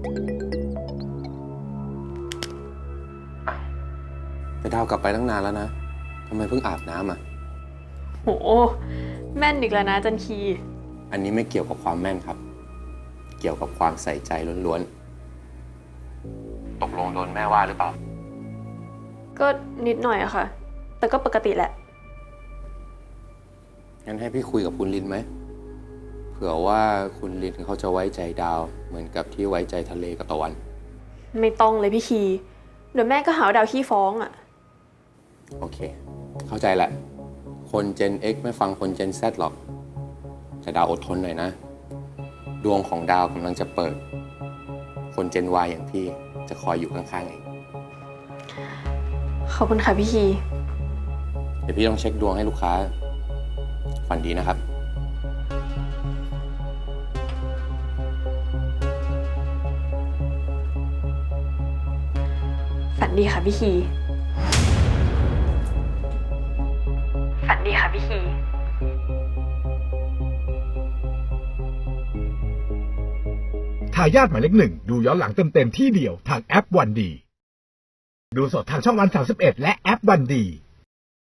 แต่ดาวกลับไปตั้งนานแล้วนะทำไมเพิ่งอาบน้ำอ่ะโหแม่นอีกแล้วนะจันคีอันนี้ไม่เกี่ยวกับความแม่นครับ เกี่ยวกับความใส่ใจล้วนๆ ตกลงโดนแม่ว่าหรือเปล่าก็นิดหน่อยอะค่ะ แต่ก็ปกติแหละงั้นให้พี่คุยกับคุณลินไหม เผื่อว่าคุณลินเขาจะไว้ใจดาวเหมือนกับที่ไว้ใจทะเลกับตะวันไม่ต้องเลยพี่คีเดี๋ยวแม่ก็หาว่าดาวขี้ฟ้องอะโอเค เข้าใจแหละ คน Gen X ไม่ฟังคน Gen Z หรอก แต่ดาวอดทนหน่อยนะ ดวงของดาวกำลังจะเปิด คน Gen Y อย่างพี่จะคอยอยู่ข้างๆเองขอบคุณค่ะพี่คีเดี๋ยวพี่ต้องเช็คดวงให้ลูกค้า ฝันดีนะครับฝันดีค่ะพี่คีฝันดีค่ะพี่คีทายาทหมายเลข 1ดูย้อนหลังเต็มๆที่เดียวทางแอปวันดีดูสดทางช่องวัน31และแอปวันดี